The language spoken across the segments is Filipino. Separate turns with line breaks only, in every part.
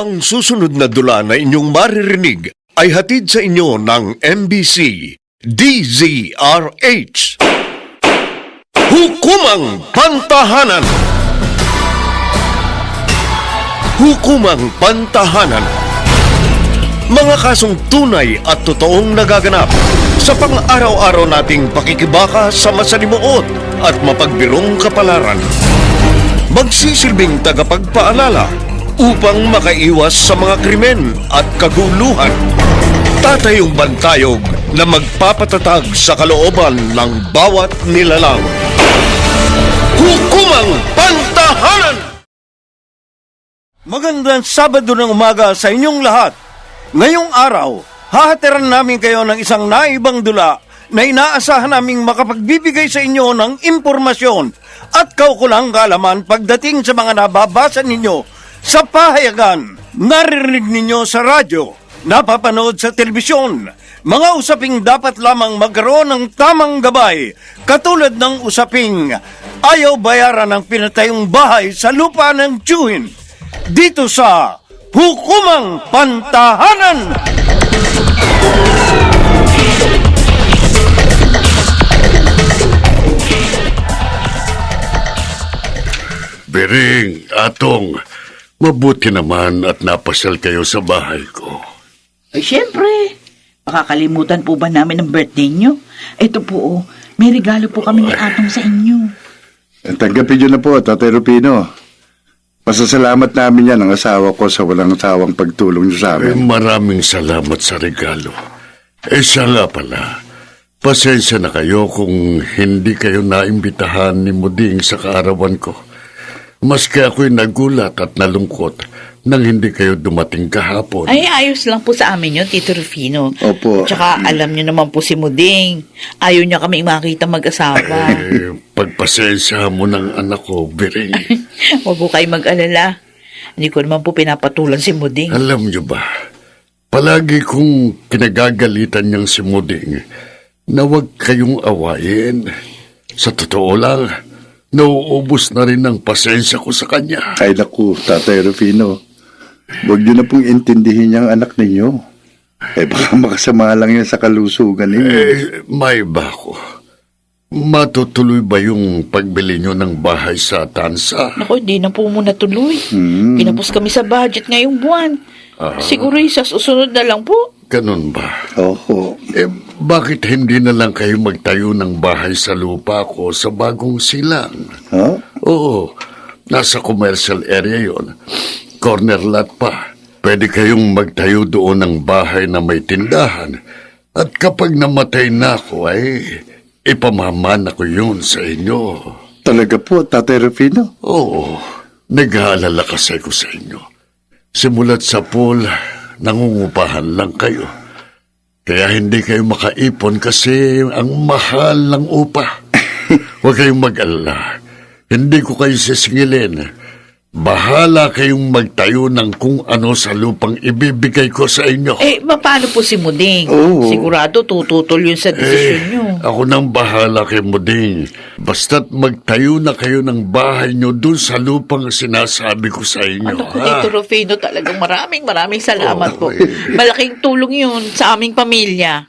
Ang susunod na dula na inyong maririnig ay hatid sa inyo ng MBC DZRH. Hukumang Pantahanan. Hukumang Pantahanan. Mga kasong tunay at totoong nagaganap sa pang-araw-araw nating pakikibaka sa masalimuot at mapagbirong kapalaran. Magsisilbing tagapagpaalala upang makaiwas sa mga krimen at kaguluhan. Tatayong bantayog na magpapatatag sa kalooban ng bawat nilalang. Hukumang Pantahanan! Magandang Sabado ng umaga sa inyong lahat. Ngayong araw, hahatiran namin kayo ng isang naibang dula na inaasahan naming makapagbibigay sa inyo ng impormasyon at kaukulang kaalaman pagdating sa mga nababasa ninyo sa pahayagan, naririnig ninyo sa radyo, napapanood sa telebisyon, mga usaping dapat lamang magkaroon ng tamang gabay, katulad ng usaping ayaw bayaran ng pinatayong bahay sa lupa ng tiyuhin, dito sa Hukumang Pantahanan!
Bering, Atong, mabuti naman at napasyal kayo sa bahay ko.
Ay, syempre. Makakalimutan po ba namin ang birthday nyo? Ito po, oh, may regalo po kami ni Atong sa inyo.
Tanggapin nyo na po, Tatay Rufino. Pasasalamat namin yan ang asawa ko sa walang sawang pagtulong nyo sa amin.
Maraming salamat sa regalo. Siya nga pala, pasensya na kayo kung hindi kayo naimbitahan ni Muding sa kaarawan ko. Maski ako'y nagulat at nalungkot nang hindi kayo dumating kahapon.
Ay, ayos lang po sa amin yun, Tito Rufino.
Opo.
Tsaka alam nyo naman po si Muding. Ayaw niya kami makita mag-asawa.
Pagpasensya mo ng anak ko, Bering.
Huwag po kayo mag-alala. Hindi ko naman po pinapatulan si Muding.
Alam niyo ba, palagi kong kinagagalitan niyang si Muding na huwag kayong awayin. Sa totoo lang, nauubos na rin ang pasensya ko sa kanya.
Ay naku, Tatay Rufino. Huwag nyo na pong intindihin yung anak ninyo. Baka makasama lang yan sa kalusugan ninyo.
May ba ko? Matutuloy ba yung pagbili nyo ng bahay sa Tansa?
Naku, hindi na po muna tuloy. Kinapos kami sa budget ngayong buwan. Siguro sa susunod na lang po.
Ganun ba?
Oo.
Bakit hindi na lang kayo magtayo ng bahay sa lupa ko sa Bagong Silang?
Huh?
Oo, nasa commercial area yon. Corner lot pa. Pwede kayong magtayo doon ng bahay na may tindahan. At kapag namatay na ako, ay ipamamana ko yun sa inyo.
Talaga po, Tatay Rufino?
Oo, nag-aalala kasi ko sa inyo. Simulat sa pool, nangungupahan lang kayo. Kaya hindi kayo makaipon kasi ang mahal ng upa. Huwag kayong mag-alala. Hindi ko kayo sisingilin. Bahala kayong magtayo ng kung ano sa lupang ibibigay ko sa inyo.
Paano po si Muding?
Oo.
Sigurado tututol yun sa desisyon nyo.
Ako nang bahala kay Muding. Basta't magtayo na kayo ng bahay nyo dun sa lupang sinasabi ko sa inyo.
Ano po, Tito Rufino, talagang maraming salamat po. Malaking tulong yun sa aming pamilya.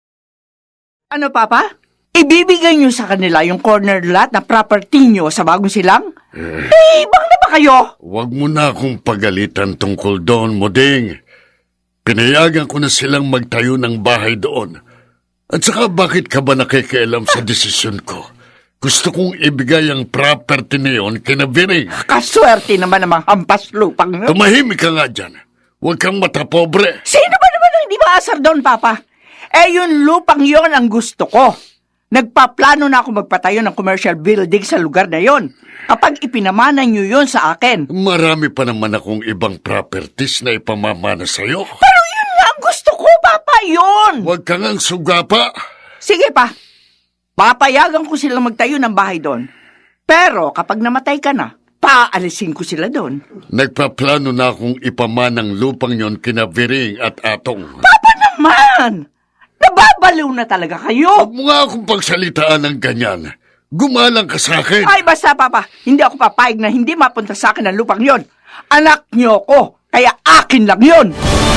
Ano, Papa? Ibibigay niyo sa kanila yung corner lot na property niyo sa Bagong Silang? Bang na ba kayo?
Huwag mo na akong pagalitan tungkol doon, Muding. Pinayagan ko na silang magtayo ng bahay doon. At saka bakit ka ba nakikialam sa desisyon ko? Gusto kong ibigay ang property na yun kina Bering.
Kaswerte naman ang mga hampas lupang.
Tumahimik ka nga dyan. Huwag kang matapobre.
Sino ba naman ang hindi maasar doon, Papa? Yung lupang yon ang gusto ko. Nagpaplano na ako magpatayo ng commercial building sa lugar na yon. Kapag ipinamana niyo yon sa akin.
Marami pa naman akong ibang properties na ipamamana sa'yo.
Pero yun nga ang gusto ko, Papa, yun!
Huwag kang ang sugapa.
Sige pa, papayagan ko silang magtayo ng bahay doon. Pero kapag namatay ka na, paalisin ko sila doon.
Nagpaplano na akong ipamanang lupang yon kina Bering at Atong.
Papa naman! Nababaliw na talaga kayo!
Huwag mo nga akong pagsalitaan ng ganyan. Gumalang ka sa akin.
Ay, basta, Papa. Hindi ako papayag na hindi mapunta sa akin ang lupang yon. Anak niyo ko. Kaya akin lang yun.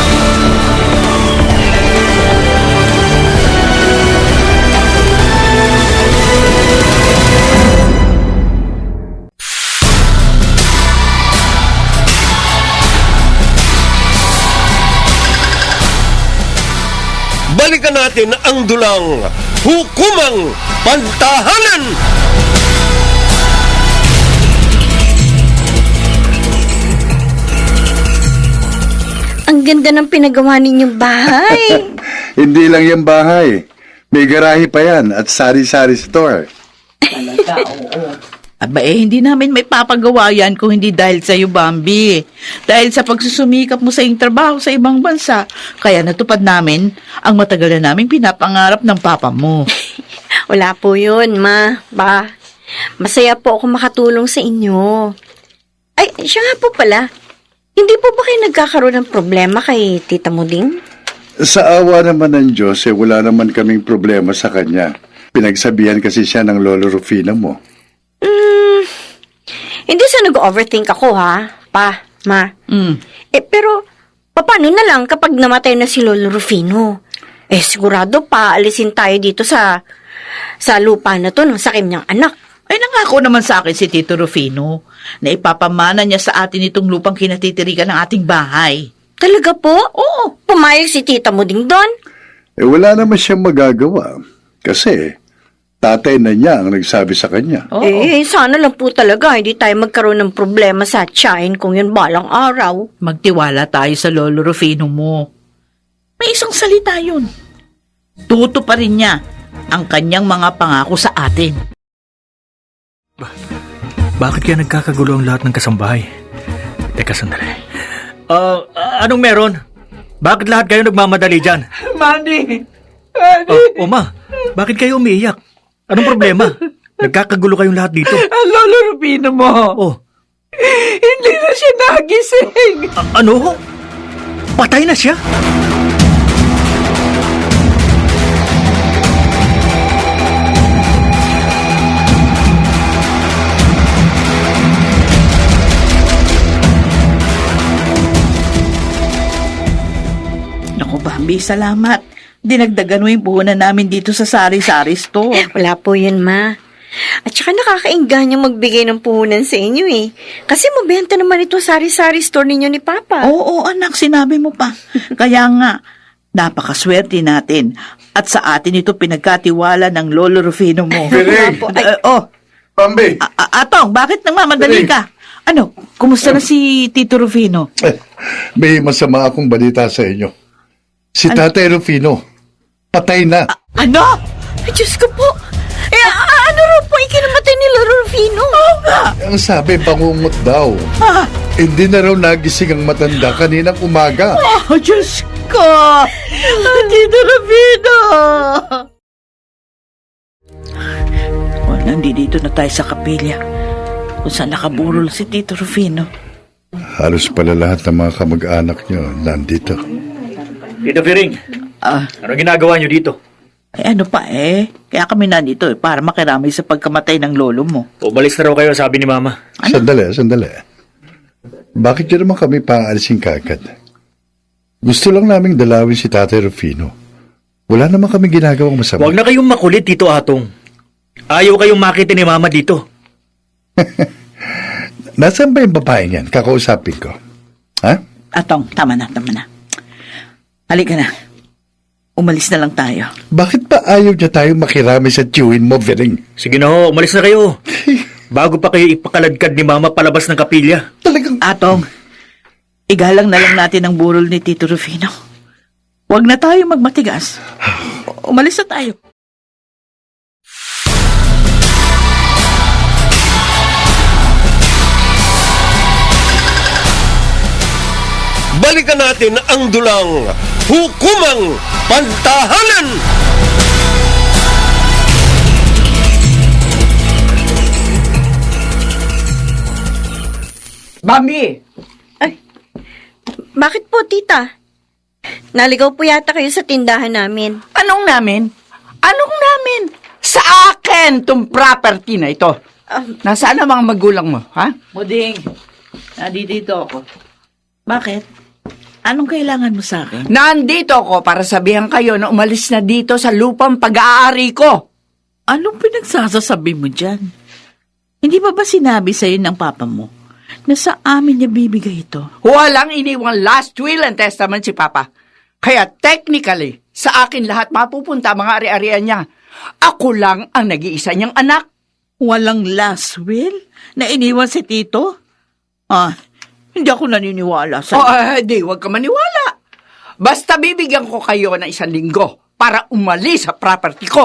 Balikan natin ang dulang Hukumang Pantahanan!
Ang ganda ng pinagawa ninyong bahay.
Hindi lang yung bahay. May garahe pa yan at sari-sari store.
Aba hindi namin may papagawa yan kung hindi dahil sa iyo, Bambi. Dahil sa pagsusumikap mo sa iyong trabaho sa ibang bansa, kaya natupad namin ang matagal na naming pinapangarap ng papa mo.
Wala po yun, ma. Ba, masaya po ako makatulong sa inyo. Ay, siya nga po pala. Hindi po ba kayo nagkakaroon ng problema kay Tita Muding?
Sa awa naman ng Diyos, wala naman kaming problema sa kanya. Pinagsabihan kasi siya ng Lolo Rufino mo.
Hindi sa nag-overthink ako, ha? Pa, ma. Pero, paano na lang kapag namatay na si Lolo Rufino? Sigurado pa, alisin tayo dito sa lupa na to ng sakim niyang anak.
Ay nangako naman sa akin si Tito Rufino na ipapamana niya sa atin itong lupang kinatitirikan ng ating bahay.
Talaga po?
Oo.
Pumayag si Tita Muding doon?
Wala naman siyang magagawa. Kasi, tatay na niya ang nagsabi sa kanya.
Oo.
Sana lang po talaga hindi tayo magkaroon ng problema sa tiyahin kung yun balang araw.
Magtiwala tayo sa Lolo Rufino mo. May isang salita yun. Tuto pa rin niya ang kanyang mga pangako sa atin.
Bakit kaya nagkakagulo ang lahat ng kasambahay? Teka, sandali. Anong meron? Bakit lahat kayo nagmamadali dyan?
Manny!
Ma, bakit kayo umiiyak? Anong problema? Nagkakagulo kayong lahat dito.
Ang Lolo Rufino mo!
Oh,
Hindi na siya nagising!
ano? Patay na siya?
Naku, Bambi, salamat. Dinagdagan mo yung puhunan namin dito sa sari-sari store.
Wala po yun, ma. At saka nakakainganyo magbigay ng puhunan sa inyo eh. Kasi mabenta naman ito sari-sari store ninyo ni Papa.
Oo, anak, sinabi mo pa. Kaya nga, napakaswerte natin. At sa atin ito pinagkatiwala ng Lolo Rufino mo.
Piring! Pambi!
Atong, bakit nagmamadali ka? Ano, kumusta na si Tito Rufino?
May masama akong balita sa inyo. Si Tatay Rufino, patay na.
Ano?
Ay, Diyos ko po. Ano rin po ikinamatay ni Lolo Rufino?
Ang sabi, bangungot daw. Hindi na raw nagising ang matanda kaninang umaga.
Oh, Diyos ko! Tito Rufino! Nandito na tayo sa kapilya kung saan nakaburol si Tito Rufino.
Halos pala lahat ng mga kamag-anak niyo nandito.
Tito Firing, ano ginagawa niyo dito?
Ano pa kaya kami nandito para makiramay sa pagkamatay ng lolo mo.
Umalis na raw kayo, sabi ni Mama.
Sandali. Bakit niyo naman kami paalisin kagad? Gusto lang naming dalawin si Tatay Rufino. Wala naman kami ginagawang masama.
Huwag na kayong makulit, Tito Atong. Ayaw kayong makita ni Mama dito.
Nasaan ba yung babae niyan? Kakausapin ko. Ha?
Atong, tama na. Halika na. Umalis na lang tayo.
Bakit ba ayaw niya tayo makirami sa tiyuhin mo, Vering?
Sige na ho, umalis na kayo. Bago pa kayo ipakaladkad ni Mama palabas ng kapilya.
Talagang...
Atong, igalang na lang natin ang burol ni Tito Rufino. Huwag na tayo magmatigas. Umalis na tayo.
Balikan natin ang dulang Hukumang Pantahanan!
Bambi!
Bakit po, Tita? Naligaw po yata kayo sa tindahan namin.
Anong namin? Sa akin tong property na ito. Nasaan ang mga magulang mo, ha?
Muding, nandito ako. Bakit? Anong kailangan mo sa akin?
Nandito ako para sabihan kayo na umalis na dito sa lupang pag-aari ko.
Anong pinagsasasabi mo dyan? Hindi ba sinabi sa'yo ng papa mo na sa amin niya bibigay ito?
Walang iniwang last will and testament si Papa. Kaya technically, sa akin lahat mapupunta mga ari-arian niya. Ako lang ang nag-iisa niyang anak.
Walang last will na iniwan si Tito? Hindi ako naniniwala sa...
Di, huwag ka maniwala. Basta bibigyan ko kayo ng 1 linggo para umalis sa property ko.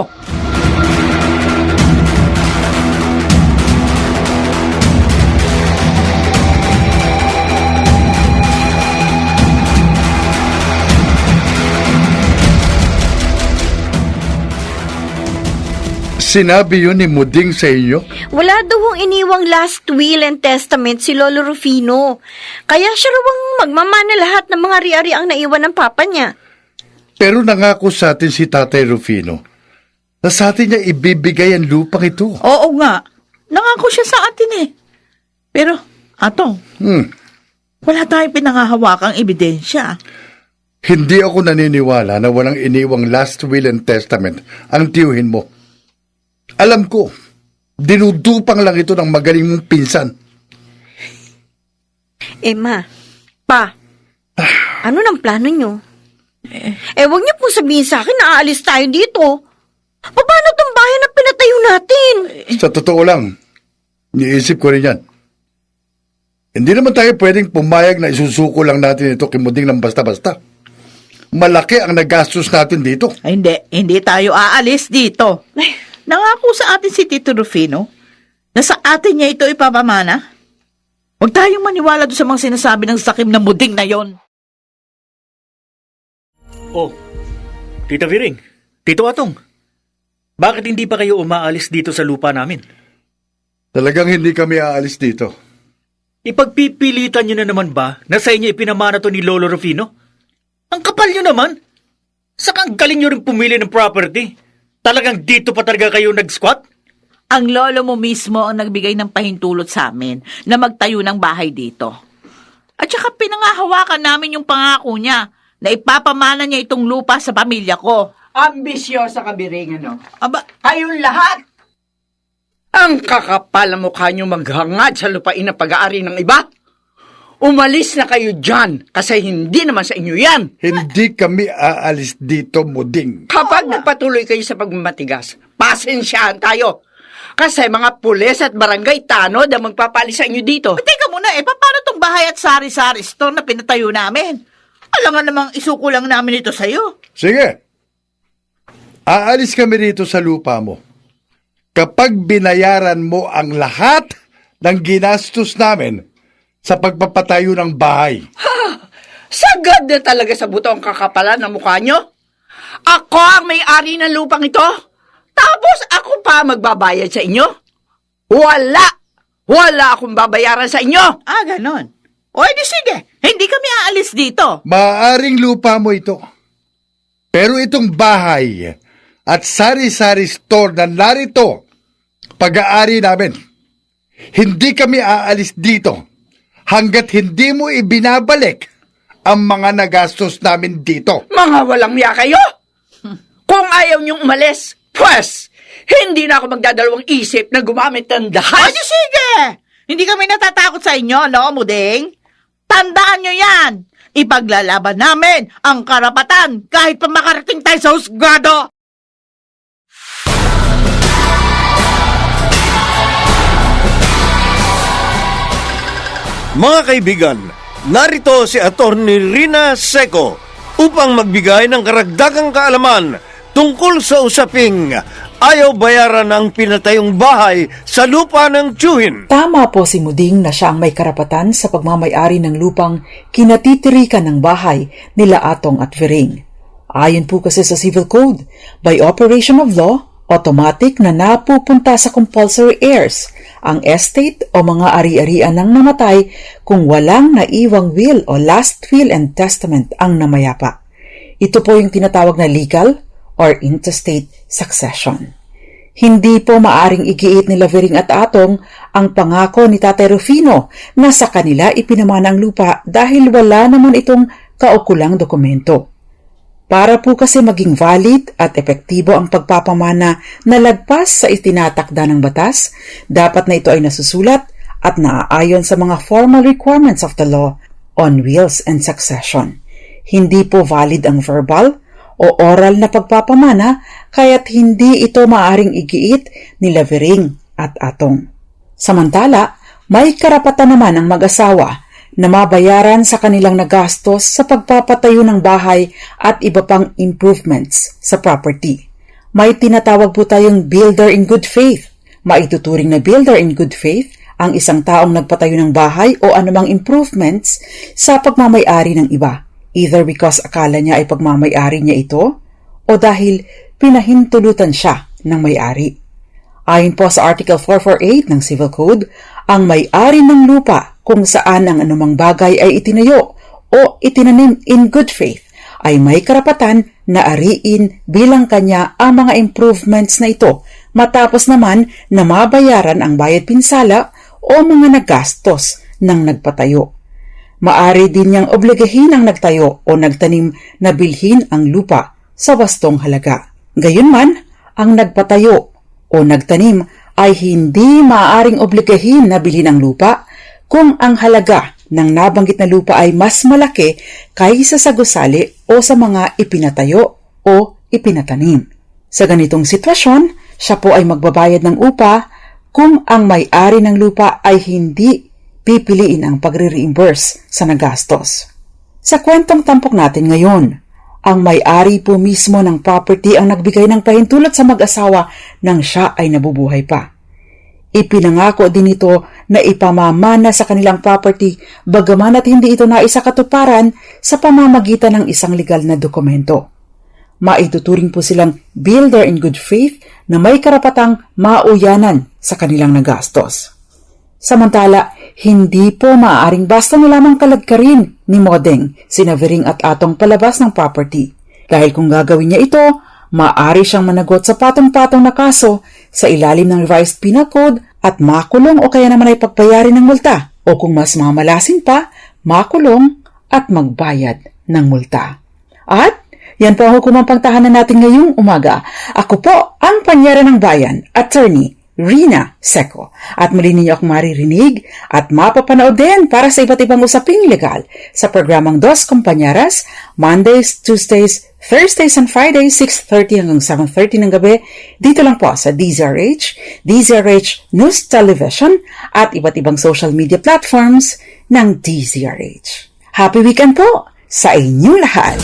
Sinabi yun ni Muding sa inyo?
Wala daw ang iniwang last will and testament si Lolo Rufino. Kaya siya raw ang magmamana lahat ng mga ari-ari ang naiwan ng papa niya.
Pero nangako sa atin si Tatay Rufino na sa atin niya ibibigay ang lupang ito.
Oo nga. Nangako siya sa atin eh. Pero, Atong, wala tayong pinangahawakang ebidensya.
Hindi ako naniniwala na walang iniwang last will and testament ang tiyuhin mo. Alam ko, dinudupang lang ito ng magaling mong pinsan.
Ma, Pa, ano ng plano niyo? Huwag niyo pong sabihin sa akin na aalis tayo dito. Paano tong bahay na pinatayo natin?
Sa totoo lang, niisip ko rin yan. Hindi naman tayo pwedeng pumayag na isusuko lang natin ito kay Muding ng basta-basta. Malaki ang nagastos natin dito.
Ay, hindi tayo aalis dito. Nangako sa atin si Tito Rufino na sa atin niya ito ipapamana. Huwag tayong maniwala doon sa mga sinasabi ng sakim na Muding na yon.
Oh, Tita Viring, Tito Atong, bakit hindi pa kayo umaalis dito sa lupa namin?
Talagang hindi kami aalis dito.
Ipagpipilitan nyo na naman ba na sa inyo ipinamana to ni Lolo Rufino? Ang kapal nyo naman. Saka ang galing nyo rin pumili ng property. Talagang dito pa talaga kayo nag-squat?
Ang lolo mo mismo ang nagbigay ng pahintulot sa amin na magtayo ng bahay dito. At saka pinangahawakan namin yung pangako niya na ipapamana niya itong lupa sa pamilya ko.
Ambisyosa ka, Biring, ano?
Aba,
Kayong lahat! Ang kakapal ang mukha niyo maghangad sa lupain na pag-aari ng iba. Umalis na kayo dyan kasi hindi naman sa inyo yan.
Hindi kami aalis dito, Muding.
Kapag nagpatuloy kayo sa pagmamatigas, pasensyahan tayo. Kasi mga pulis at barangay tanod ang magpapalis sa inyo dito.
teka muna paano tong bahay at sari-sari store na pinatayo namin? Alam nga namang isuko lang namin ito sa'yo.
Sige. Aalis kami rito sa lupa mo. Kapag binayaran mo ang lahat ng ginastos namin sa pagpapatayo ng bahay.
Sagad na talaga sa buto ang kakapalan ng mukha nyo. Ako ang may-ari ng lupang ito. Tapos ako pa magbabayad sa inyo. Wala akong babayaran sa inyo.
Ganon. O edi sige, hindi kami aalis dito.
Maaring lupa mo ito. Pero itong bahay at sari-sari store na narito, pag-aari namin. Hindi kami aalis dito hanggat hindi mo ibinabalik ang mga nagastos namin dito.
Mga walang miya kayo. Kung ayaw niyong umalis, pues, hindi na ako magdadalawang isip na gumamit ng dahas.
Edi sige, hindi kami natatakot sa inyo, no, Muding? Tandaan nyo yan. Ipaglalaban namin ang karapatan kahit pa makarating tayo sa husgado.
Mga kaibigan, narito si Attorney Rina Seco upang magbigay ng karagdagang kaalaman tungkol sa usaping ayaw bayaran ang pinatayong bahay sa lupa ng tiyuhin.
Tama po si Muding na siya ang may karapatan sa pagmamayari ng lupang kinatitirikan ng bahay nila Atong at Viring. Ayon po kasi sa Civil Code, by operation of law, automatic na napupunta sa compulsory heirs ang estate o mga ari-arian ng namatay kung walang naiwang will o last will and testament ang namayapa. Ito po yung tinatawag na legal or intestate succession. Hindi po maaring igiit ni Lavering at Atong ang pangako ni Tatay Rufino na sa kanila ipinamana ang lupa dahil wala naman itong kaukulang dokumento. Para po kasi maging valid at epektibo ang pagpapamana na lagpas sa itinatakda ng batas, dapat na ito ay nasusulat at naaayon sa mga formal requirements of the law on wills and succession. Hindi po valid ang verbal o oral na pagpapamana kaya't hindi ito maaring igiit ni Lavering at Atong. Samantala, may karapatan naman ang mag-asawa na mabayaran sa kanilang nagastos sa pagpapatayo ng bahay at iba pang improvements sa property. May tinatawag po tayong builder in good faith. Maituturing na builder in good faith ang isang taong nagpatayo ng bahay o anumang improvements sa pagmamay-ari ng iba, either because akala niya ay pagmamay-ari niya ito o dahil pinahintulutan siya ng may-ari. Ayon po sa Article 448 ng Civil Code, ang may-ari ng lupa kung saan ang anumang bagay ay itinayo o itinanim in good faith ay may karapatan na ariin bilang kanya ang mga improvements na ito matapos naman na mabayaran ang bayad pinsala o mga nagastos ng nagpatayo. Maari din niyang obligahin ang nagtayo o nagtanim na bilhin ang lupa sa wastong halaga. Gayunman, ang nagpatayo o nagtanim ay hindi maaaring obligahin na bilhin ang lupa kung ang halaga ng nabanggit na lupa ay mas malaki kaysa sa gusali o sa mga ipinatayo o ipinatanim. Sa ganitong sitwasyon, siya po ay magbabayad ng upa kung ang may-ari ng lupa ay hindi pipiliin ang pagre-reimburse sa nagastos. Sa kwentong tampok natin ngayon, ang may-ari po mismo ng property ang nagbigay ng pahintulot sa mag-asawa nang siya ay nabubuhay pa. Ipinangako din ito na ipamamana sa kanilang property bagaman at hindi ito naisakatuparan sa pamamagitan ng isang legal na dokumento. Maituturing po silang builder in good faith na may karapatang mauyanan sa kanilang nagastos. Samantala, hindi po maaaring basta na lamang kalagkarin ni Modeng, sina Vering at Atong palabas ng property. Dahil kung gagawin niya ito, maaari siyang managot sa patong-patong na kaso sa ilalim ng Revised Penal Code at makulong o kaya naman ay pagbayarin ng multa o kung mas mamalasin pa, makulong at magbayad ng multa. At yan po ang hukumang pangtahanan natin ngayong umaga. Ako po ang Panyera ng Bayan, Attorney Rina Seco. At muli ninyo akong maririnig at mapapanood din para sa iba't ibang usaping legal sa programang Dos Compañeras, Mondays, Tuesdays, Thursdays and Fridays, 6:30 hanggang 7:30 ng gabi, dito lang po sa DZRH, DZRH News Television at iba't ibang social media platforms ng DZRH. Happy weekend po sa inyong lahat!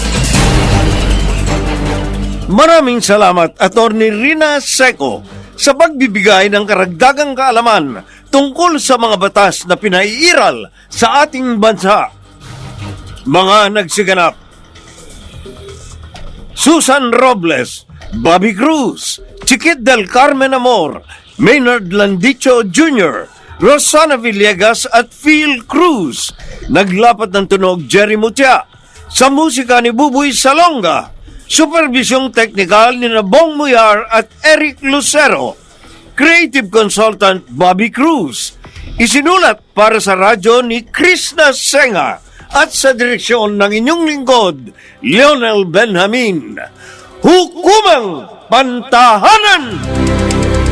Maraming salamat, Attorney Rina Seco, sa pagbibigay ng karagdagang kaalaman tungkol sa mga batas na pinaiiral sa ating bansa. Mga nagsiganap: Susan Robles, Bobby Cruz, Chiquit del Carmen Amor, Maynard Landicho Jr., Rosana Villegas at Phil Cruz. Naglapat ng tunog Jerry Mutia. Sa musika ni Buboy Salonga. Supervisyong teknikal ni Bong Muyar at Eric Lucero. Creative Consultant Bobby Cruz. Isinulat para sa radyo ni Krishna Senga at sa direksyon ng inyong lingkod, Lionel Benjamin. Hukumang Pantahanan!